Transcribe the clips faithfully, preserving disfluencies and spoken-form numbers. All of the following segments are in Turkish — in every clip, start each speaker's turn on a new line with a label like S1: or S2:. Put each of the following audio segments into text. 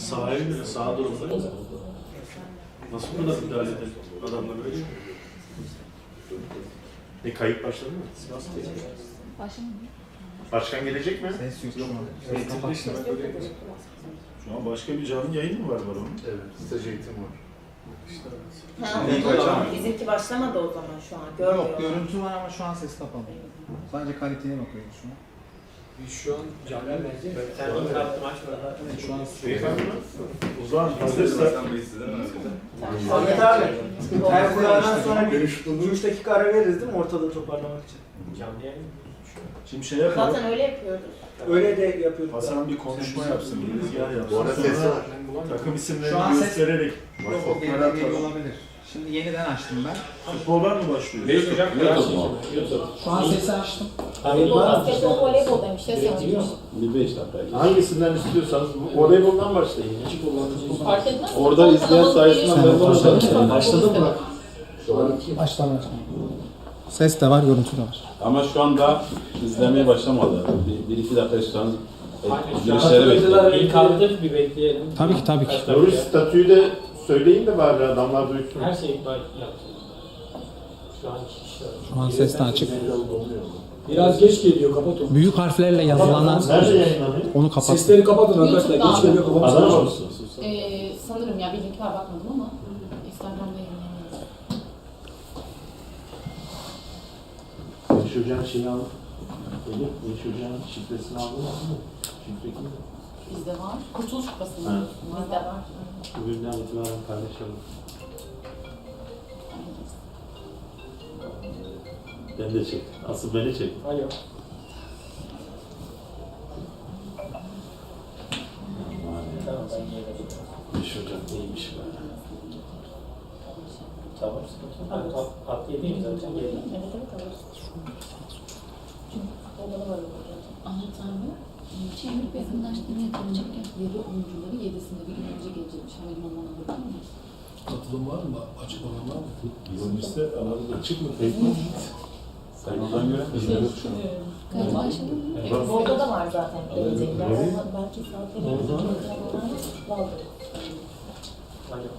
S1: Sahaya göre, saha durumunda mı? Nasıl bu kadar müdahale edelim? Adamlar öyle. E kayıt başladı mı?
S2: Başlamadı.
S1: Başkan gelecek mi?
S3: Ses yok şu an.
S1: Eğitimde işte ben öyle. Şu an başka bir canlı yayın mı var var onun?
S4: Evet, staj eğitim var.
S1: İşte
S5: Ha,
S3: Evet,
S5: o zaman
S3: hocam.
S5: bizimki başlamadı o zaman şu an. Görmüyorum.
S3: Yok, görüntü var ama şu an ses kapalı. Sadece kaliteye bakıyoruz şu an.
S6: Biz şu an canlı merkez. Sen bir kartı maç var.
S3: Evet, şu an
S1: beyefendi mi? O zaman hazırsa
S6: Ahmet abi. Her kuraldan sonra bir
S4: Görüş bulunur.
S6: üç dakika ara veririz değil mi ortalığı toparlamak için? Canlı yayın.
S1: şimdi şey yapalım.
S5: Zaten öyle yapıyoruz.
S6: Öyle de yapıyorduk.
S1: Hasan bir konuşma yapsın, bir rüzgar yapsın.
S4: Bu arada
S1: Sonra
S4: ses var.
S1: takım
S3: Şu an
S1: isimlerini
S3: ses-
S1: göstererek
S3: yok, o
S1: WhatsApp'lara
S3: geri geliyor
S1: atalım.
S3: olabilir. Şimdi yeniden açtım ben.
S1: Futboldan mı başlıyoruz?
S6: Beş hocam
S7: YouTube mu?
S3: Şu an sesi açtım.
S2: Futbol, basketbol, voleybol demiş. Ses yazmış.
S7: Bir beş dakika.
S1: Hangisinden istiyorsanız voleyboldan başlayın.
S2: Fark etmez.
S7: Orada
S2: Futbol
S7: izleyen
S2: kanalı
S7: sayısından
S2: geliyor.
S7: ben başladım.
S2: Futbol
S1: Başladın mı?
S2: istemem.
S3: Baştan ses de var, görüntü de var.
S7: Ama şu anda izlemeye başlamadı. Bir, bir iki dakika şu an girişleri bekliyor.
S8: İlk aldık bir bekleyelim.
S3: Tabii ki, tabii ki.
S8: Kaç dakika?
S1: Nuri statüyü de söyleyin de bari adamlar duysun.
S8: Her şeyi yaptık. Şu an iki kişi var.
S3: Şu an ses de açık.
S6: Biraz geç geliyor, kapat onu.
S3: Büyük harflerle yazılanlar
S1: Nerede yayınlanıyor?
S3: onu kapat.
S6: Sesleri kapatın arkadaşlar.
S2: YouTube'da.
S6: Geç geliyor, kapatın.
S1: Adana mısın?
S2: Ee, sanırım ya bir link var bakmadım ama Instagram'da yayınlanıyor.
S1: Beş Hoca'nın şeyini alın. Elif, Beş Hoca'nın şifresini aldın mı? Şifre kim?
S2: Bizde var. Kurtuluş Kupası mı?
S1: Ha.
S2: Bizde var.
S1: Bugünden itibaren paylaşalım. Ben de çek. Asıl beni çek.
S6: Alo.
S8: Tamam ben yerim.
S1: Beş Hoca neymiş be?
S8: Tamam sıkıntı yok. Ben tat, tat yediyim zaten yedim.
S2: Evet evet alırız. Çünkü futbolda da var öyle. Ahmet abi, Çevik yakınlaştırma yapılacak yedi oyuncuları yedisinde bir gün önce gelecekmiş. Havalimanına bakar mı?
S6: Katılım var mı? Açık olan var mı?
S1: Bizim liste alanı açık mı? Tek mi?
S7: Saymadan göremedim.
S2: Kayıt başladı mı?
S5: Evet, orada da var zaten gelecekler. Ama belki saatleri var.
S8: Alo.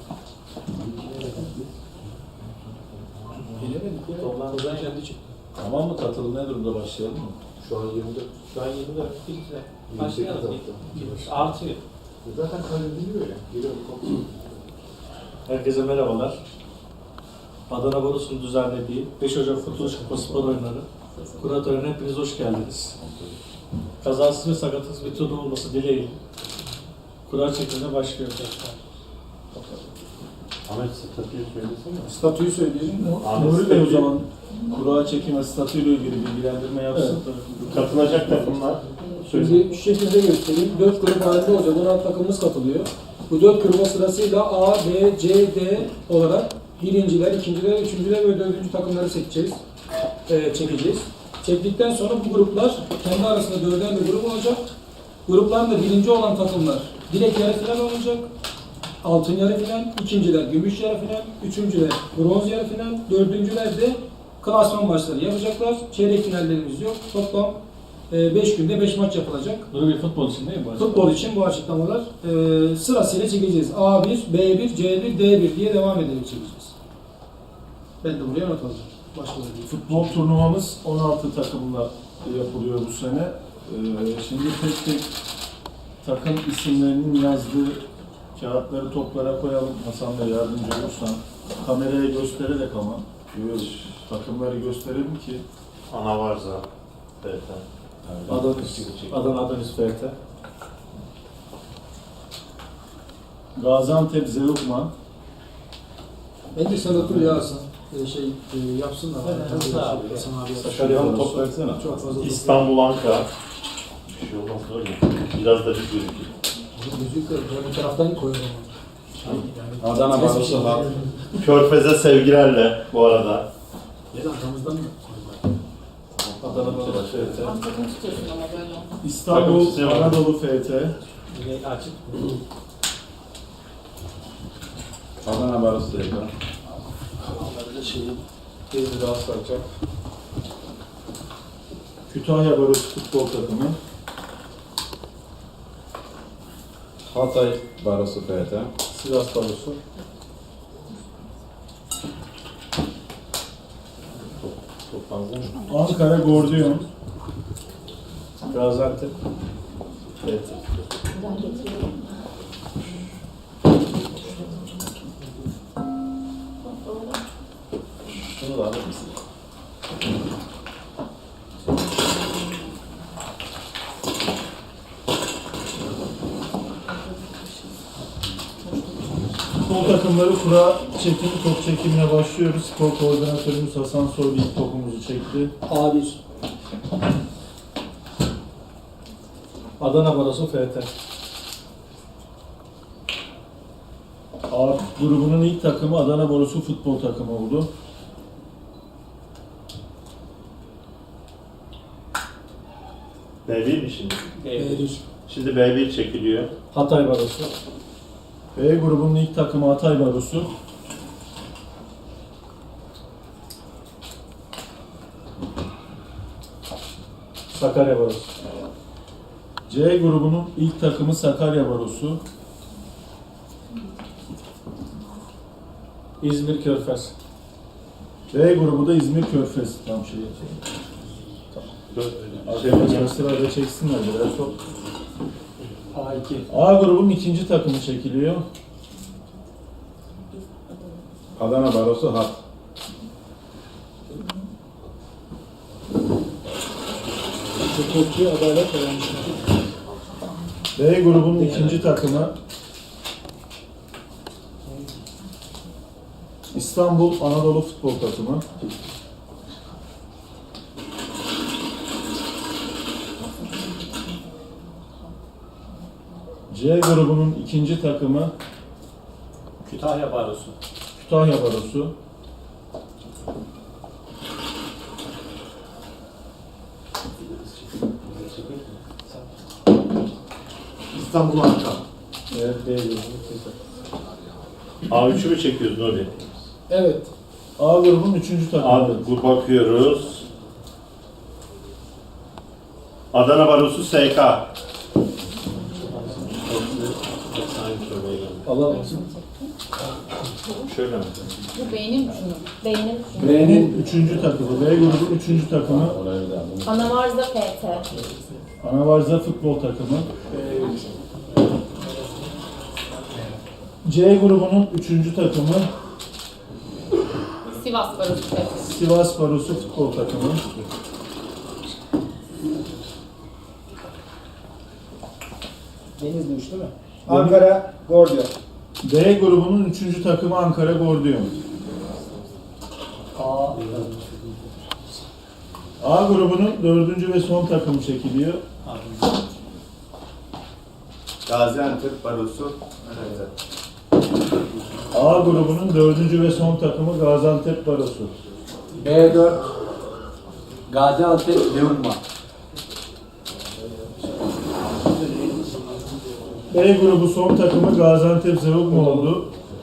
S6: Gelemedik ya.
S8: Toplantıdan
S6: kendi çıktı.
S1: Tamam mı? Katılım ne durumda başlayalım mı?
S4: Şu an yirmi dört.
S8: Şu an yirmi dört bilgiler.
S4: yirmi
S8: Başlayalım.
S4: sekiz hafta.
S8: Artıyor.
S4: Zaten kaydediliyor ya. Geliyorum kontrol.
S1: Herkese merhabalar. Adana Barosu'nun düzenlediği beş Ocak Kurtuluş Kupası spor oyunları kura törenine hepiniz hoş geldiniz. Kazasız ve sakatsız bir turnuva olması dileğiyle kura çekimine başlıyor tekrar. Ahmet statüyü söylesene.
S6: Statüyü söyleyelim.
S1: Ahmet
S6: Nuri Bey o
S1: statüyü-
S6: zaman kura çekimi statüyle ilgili bilgilendirme yapsın.
S1: Katılacak takımlar.
S6: Şimdi şu şekilde göstereyim. Dört grup halinde olacak. on altı takımımız katılıyor. Bu dört gruba sırasıyla A, B, C, D olarak birinciler, ikinciler, üçüncüler ve dördüncü takımları seçeceğiz. Ee, çekeceğiz. Çektikten sonra bu gruplar kendi arasında dörder bir grup olacak. Gruplarında birinci olan takımlar direkt yarı final olacak. Altın yarı final, ikinciler gümüş yarı final, üçüncüler bronz yarı final, dördüncüler de klasman maçları yapacaklar. Çeyrek finallerimiz yok. Toplam beş günde beş maç yapılacak.
S1: Bunu bir futbol için değil mi?
S6: Futbol için bu açıklamalar e, sırasıyla çekeceğiz. A bir, B bir, C bir, D bir diye devam ederek çekeceğiz. Ben de buraya not alacağım. Başka da değil.
S1: Futbol turnuvamız on altı takımla yapılıyor bu sene. Ee, şimdi tek tek takım isimlerinin yazdığı kağıtları toplara koyalım. Hasan Bey yardımcı olursan. Kameraya göstererek ama. Takımları gösterelim ki. Ana varsa. Evet. Adana, Adana Adanis F T. Gaziantep Zeugma.
S6: Bence sen otur ya Hasan. E, şey e, yapsınlar.
S8: Evet,
S6: Hasan
S8: abi.
S6: abi.
S1: Sakarya'nın top versene.
S6: Çok fazla.
S1: İstanbul Ankara. Bir şey olmaz öyle. Biraz da bir gözüküyor.
S6: Müzik de bu taraftan koyalım. Yani,
S7: Adana Barosu var.
S1: Körfez'e sevgilerle bu arada.
S6: ya da arkamızdan mı?
S1: Adana Barosu F T.
S2: Tam takım tutuyorsun ama böyle.
S1: İstanbul Takım istiyor. Anadolu F T.
S8: Yine açık.
S7: Adana Barosu da yapalım.
S1: Onları da şeyin
S6: Bir daha saracak.
S1: Kütahya Barosu futbol takımı.
S7: Hatay Barosu F T.
S1: Sivas Barosu.
S8: Çok fazla mı?
S1: Ankara Gordiyon. Gaziantep. Evet.
S5: Ben getiriyorum.
S7: Şunu da alır mısın?
S1: Futbol takımları kura çekim, top çekimine başlıyoruz. Spor koordinatörümüz Hasan Soylu ilk topumuzu çekti.
S6: A bir. Adana Barosu F T.
S1: A grubunun ilk takımı Adana Barosu futbol takımı oldu.
S9: B bir mi şimdi?
S6: B bir.
S9: Şimdi B bir çekiliyor.
S6: Hatay Barosu.
S1: B grubunun ilk takımı Hatay Barosu.
S6: Sakarya Barosu.
S1: C grubunun ilk takımı Sakarya Barosu.
S6: İzmir Körfez.
S1: B grubu da İzmir Körfez. Tam şey. Arkadaşlar sırayla çeksinler biraz çok.
S6: A iki.
S1: A grubunun ikinci takımı çekiliyor.
S7: Adana Barosu Hat.
S6: Hukukçu Adalet Dayanışması.
S1: B grubunun ikinci takımı İstanbul Anadolu Futbol Takımı. C grubunun ikinci takımı
S8: Kütahya Barosu.
S1: Kütahya Barosu.
S4: İstanbul Ankara.
S6: Evet, B grubu.
S9: A üçü mü çekiyoruz Nuri?
S6: Evet.
S1: A grubunun üçüncü takımı.
S9: A, bu bakıyoruz. Adana Barosu S K.
S6: Allah
S9: Şöyle mi?
S2: Bu beynin şunu.
S5: Beynim.
S1: B'nin üçüncü takımı. B grubunun üçüncü takımı
S7: Orayı bir daha alalım.
S5: Anavarza F T.
S1: Anavarza Futbol Takımı. C grubunun üçüncü takımı
S2: Sivas Barosu.
S1: Sivas Barosu Futbol Takımı.
S3: Denizli üç değil mi? Ankara Gordiyon.
S1: D grubunun üçüncü takımı Ankara Gordiyon.
S3: A.
S1: A grubunun dördüncü ve son takımı çekiliyor.
S4: Gaziantep Barosu. Evet.
S1: A grubunun dördüncü ve son takımı Gaziantep Barosu.
S3: B dört. Gaziantep Leonma.
S1: B grubu son takımı Gaziantep Zeugma oldu.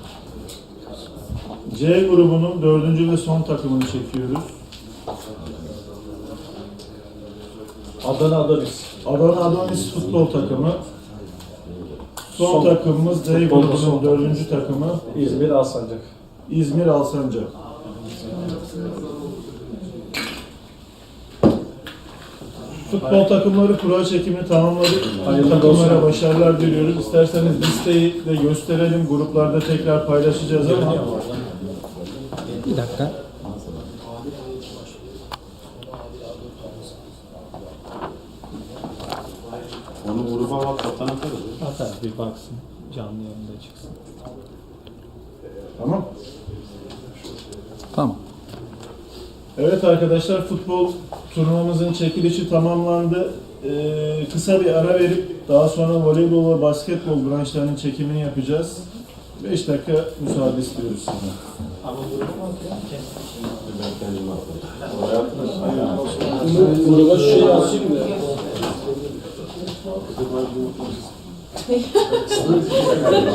S1: C grubunun dördüncü ve son takımını çekiyoruz.
S6: Adana Adonis.
S1: Adana Adonis Futbol Takımı. Son,
S6: Son-
S1: takımımız D
S6: futbolda
S1: grubunun
S6: son
S1: dördüncü takımı
S6: İzmir Alsancak.
S1: İzmir Alsancak. Futbol takımları kura çekimini tamamladık.
S6: Hayırlı
S1: Takımlara
S6: olsun.
S1: başarılar diliyoruz. İsterseniz listeyi de gösterelim. Gruplarda tekrar paylaşacağız ama
S3: Bir dakika.
S7: Onu gruba WhatsApp'tan atarız.
S3: Atar bir baksın. Canlı yayında çıksın.
S1: tamam.
S3: Tamam.
S1: Evet arkadaşlar, futbol turnuvamızın çekilişi tamamlandı. Ee, kısa bir ara verip daha sonra voleybol ve basketbol branşlarının çekimini yapacağız. beş dakika müsaade istiyoruz sizden.
S7: Ben kendim atarım. Oraya atarız.
S6: Gruba şu şeyi asayım da.